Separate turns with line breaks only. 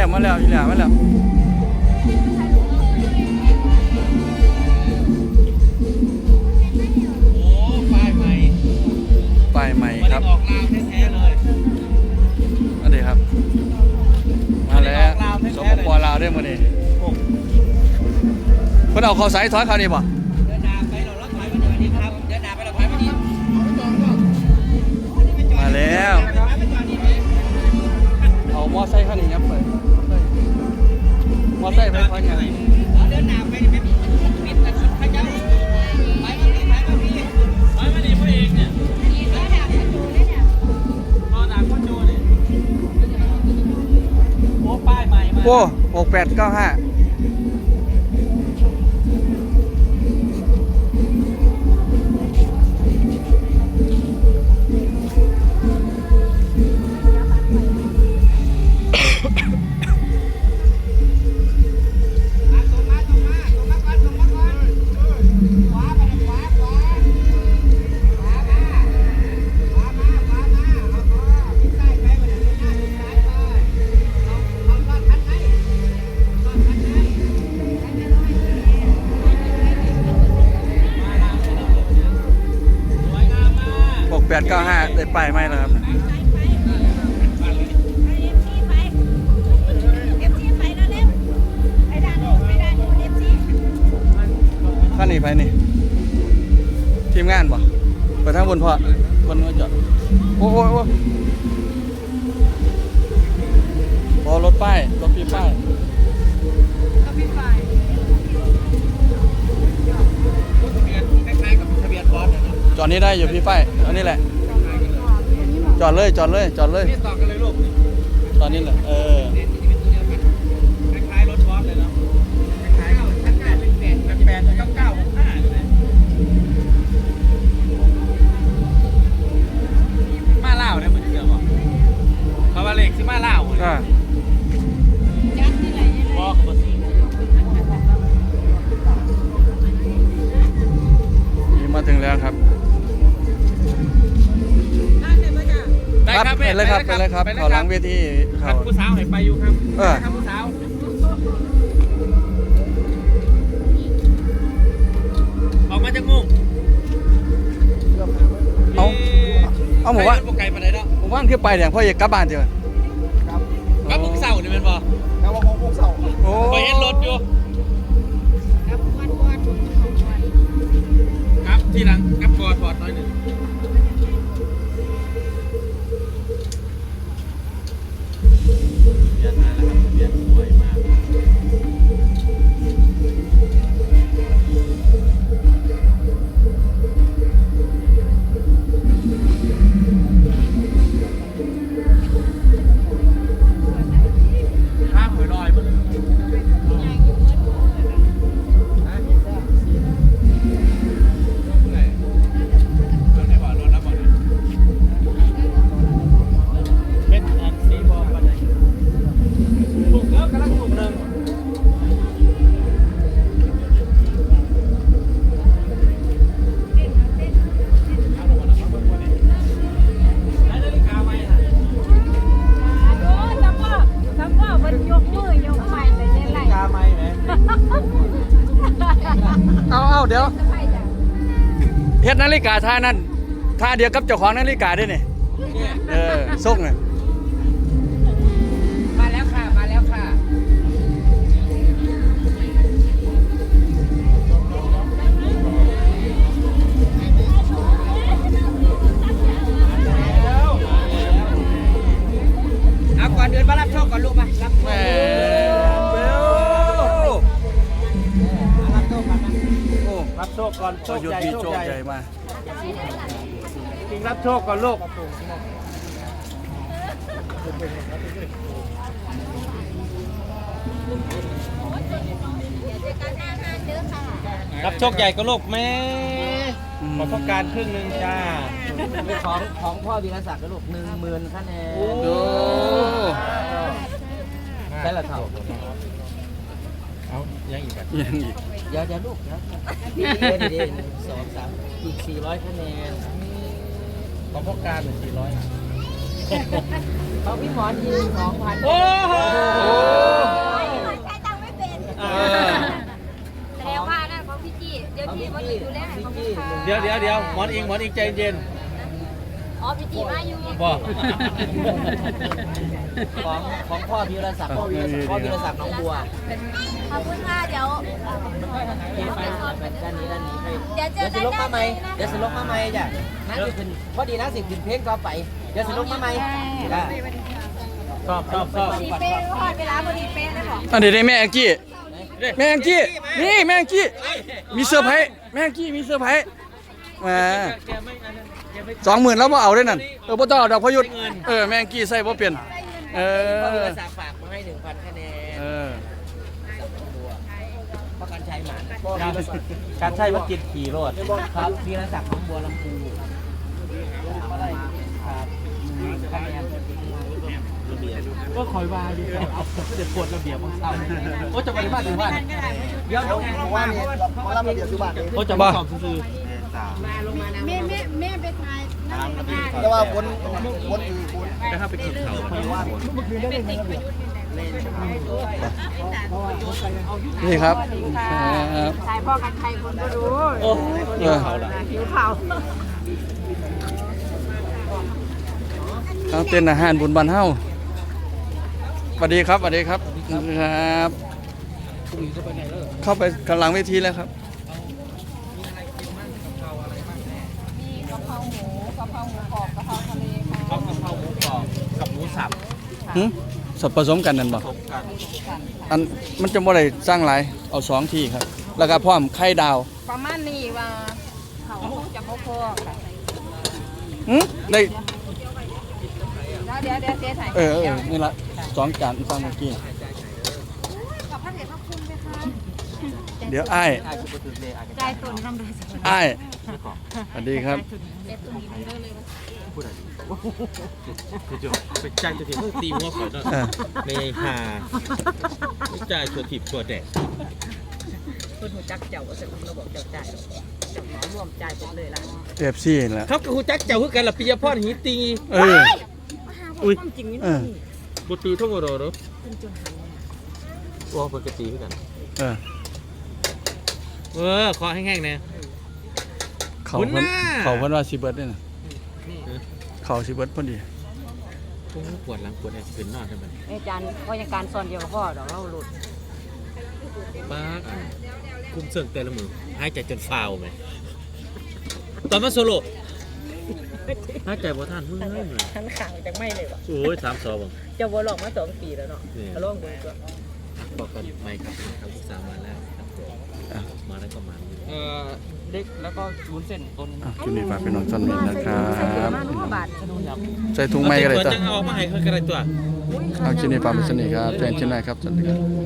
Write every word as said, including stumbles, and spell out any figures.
มมาแล้วอีหล่ามาแล้ว
โอ้ป้ายใหม่
ป้ายใหม่ครับ
ออกลาวแท้ๆเลย
อันนี้ครับมาแล้วสปปลาวได้หมดเลยเพิ่นเอาเขาใส่ถอยเขานี่บ่
เดินหน้าไปเราล็อกถอยมาเดี๋ยวนี้ครับเดินหน้าไปเราถอยมาดี
มาแล้วเอามอไซค์คันนี้ยับไปมอไซค์ไปคันนี้
เดินหน้าไปนี่ไม่ปิดแต่สุดท้ายจะไปมาดีไปมาดีไปมาดีพวกเองเนี่ยรอด่าพ่อโจเนี่ยโอ้ป้ายใหม่มา
โอ้หกแปดเก้าห้าแปดเก้าห้าได้ป้ายไหมล่ะครับท่านนี่ไปนี่ทีมงานบ่ไปทางบนพอบนว่าจอดโอ้โหพอรถป้ายรถปีป้าย
ทะเบียนคล้ายๆกับทะเบียนบอส
จอดนี้ได้อยู่พี่ป้ายอันนี้แหละจอดเลยจอดเลยจอดเลย
นี่ต่อกันเลยลูก
ตอนนี้แหละเออ
คล้ายๆรถบอสเลยเนาะคล้ายๆชั้นแปดหนึ่งแปดแปดเก้าเก้าหกห้าเลยมาเล่าเนี่ยมันเกี่ยวกับเขาว่าเล็กที่มาเล่า
อ่า
บอกมาสิ
มาถึงแล้วครับได้ครับไปเลยครับไปเลยครับขอหลังเวที
เขาผู้สาวไหนไปอยู่ครับ
เออ
ครับผู้สาวออกมาจากมุ้ง
เอาเอาหมู่ว่า
ปไก่มาไหนเนาะ
หมู่บ้านคือไปอย่างพ่อเอกกลับบ้านเถอะ
ครับกลับมุ้งเสาเนี่ยเป็นบ่
กลับมุ้งเสา
โอ้
ไปเห็นรถอยู่ครับที่หลังกับกอดถอดน้อยหนึ่งเปลี่ยนมาแล้วครับเปลี่ยนสวยมากข้ามหอยลอยมั้ง
เอาเอาเดี๋ยวเฮ็ดนาฬิกาท่านั่นท่าเดียวกับเจ้าของนาฬิกาด้วยนี่เออส่งเลย
มาแล้วค่ะมาแล้วค่ะเอาก่อนเดินมารับโชคก่อนลูกมารับโชครับโชคก่อนโชคใหญ่โชคใหญ่
มา
จริงรับโชคก่อนลูกรับโชคใหญ่ก็ลูกแม่ขอต้องการครึ่งหนึ่งจ้าของของพ่อวีรศักดิ์ก็ลูกหนึ่งหมื่นคะแนนโอ้ใช่ละเท่าเอายังอีกแบบ
ยังอีก
เดี๋ยวเดี๋ยวลูกนะเดี๋ยวเดี๋ยวสองสามอีกสี่ร้อยคะแนนของพ่อการสี่ร้อยเขาพี่หมอนยืนสองพันโอ้โหดี๋ยวหมอนอิงหมอนอิงใจเย็น
อ๋อพี่จีมาอยู่
บอกของของพ่อวีรศักดิ์พ่อวีรศักดิ์พ่อวีรศักดิ์น้องบัว
ขอบคุณค่ะเดี๋ยว
ด้านนี้ด้านนี้ให้
เดี๋ยวเจ
เดี๋
อ
ยว
กั
สิ
น
ลกมาไหมเดี๋ยวสิลกมาไหมจ้ะนั่นคือเป็นพอดีนะสิขึ้นเพลงต่อไปเดี๋ยวสิลกมาไหมจ้ะชอบชอบชอบ
พอดีเป๊ะพอเวลาพอดีเป๊ะเลยบอก
อันนี้ได้แม่แองจี้แม่แองจี้นี่แม่แองจี้มีเซอร์ไพรส์แม่แองจี้มีเซอร์ไพรส์มา
แกไม่อันนั้นแกไม่
สองหมื่นแล้วบ่เอาได้นั่นเออบ่ต้องเอาดอกพยุทธเออแม่แองจี้ใส่บ่เปลี่ยนเอ
พ่อวี
อ
รศักดิ์ฝากมาให้หนึ่งพันคะแนน
เออ
พ่อการชัยหมันการชัยว่ากินขี่รถครับวีรศักดิ์ของบัวลำพูครับคะแนนก็คอยวายดีเอาเด็ดปวดระเบียบของเราโอ้จะไปบ้านหรือบ้านเดี๋ยวผมว่าเนี่ยมารับระเบียบที่บ้านโอ้จะมาสอบซื้อ
แม่แม่แม่ไปถ่ายนั่งไปถ่าย
แต่ว่าวนวนอื่นวน
นะครับไปขึ้นเขาไม่ว่า
นี่ครับครับ
ถ่ายพ่อกันใครคนก็รู้
โอ้ยเขาละ
หิวข่าว
เอาเต้นอาหารบุญบ้านเฮาสวัสดีครับสวัสดีครับครับเข้าไปกำลังเวทีแล้วครับ
มีกะเพราหมูกะเพราหมูกรอบกะเพราทะเลค่ะ
เอากะเพราหมูกรอบกับหมูสับ
หึสับผสมกันนั่นบ่
ผสมกัน
อันมันจะบ่ได้สร้างหลายเอาสองที่ครับ แล้วก็พร้อมไข่ดาว
ประมาณนี้ว่าเขาจะพ่อพ่อค่ะ
หึได้
แล้วเดี๋ยวเดี๋ยวเจ๊ถ่าย
เออเออนี่ละสองจานสร้างเมื่อกี้
กับพระเดชพระคุณไหมคะ
เดี๋ยวอ้าย
อาชุบตุนเลยอา
ใจตุนกำไรสัก
อ้ายสวัสดีครับ
เด็ดตุนนี้มันเด้อเลย
พูดอะไรคือจะไปจ้างจะถีบตีหัวข่อยด้วย
เออ
ในหาไม่จ่ายชัวถีบชัวแดด
คนหูจักเจ้าเสร็จเราบอกเจ้าจ่ายเจ้าขอร่วมจ่ายไปเลยล่ะ
เอฟซีแหละ
ครับกับหูจักเจ้าคือกันล่ะปิยพรหิตี
เออ อุ้ย
ความจริงนี่
เออ
บุตรีท่องโรโร
เป็นจนหัน
ว่าปกติคือกัน
เออ
เออคอแห้งๆเนี่ย
เขา
คุณ
เพิ่น
น่ะ
เขาเพิ่นว่าสิเบิดนี่น่ะเขาสิเบิดพอดี
ปวดหลังปวดแอบขึ้นนอนใช่ไหม
อาจารย์ก็ยังการสอนเดียวกับพ่อดอกเราหลุด
ป้าคุมเสื่องแต่ละมือหายใจจนฟาวไหมตอนมาโซโล่หายใจบ่ทันเฮ้ยเลย
ทั้งข่าวจังไม่เลยว่ะ
โอ้ยสามสองบัง
เจ้าบัวหลอกมาสองปีแล้วเนาะเขาลองดูตัว
บอกกันไม่ครับครับศึกษามาแล้วครับผมมาแล้วก็มาเอ่อเล็กแล้วก็วุ้นเส้นต้น
อ่ะคลิปนี้ฝากพี่น้องท่านนี้นะครับ
มาล้อบาท
ใส่ถุงไม้ก็ได้
ตัว
จ้ะ
จังเอามาให้เขาก็ได้ตัว
เอาคลิปนี้ฝากไว้สนิทครับแจ้งชินได้ครับสวัสดีครับ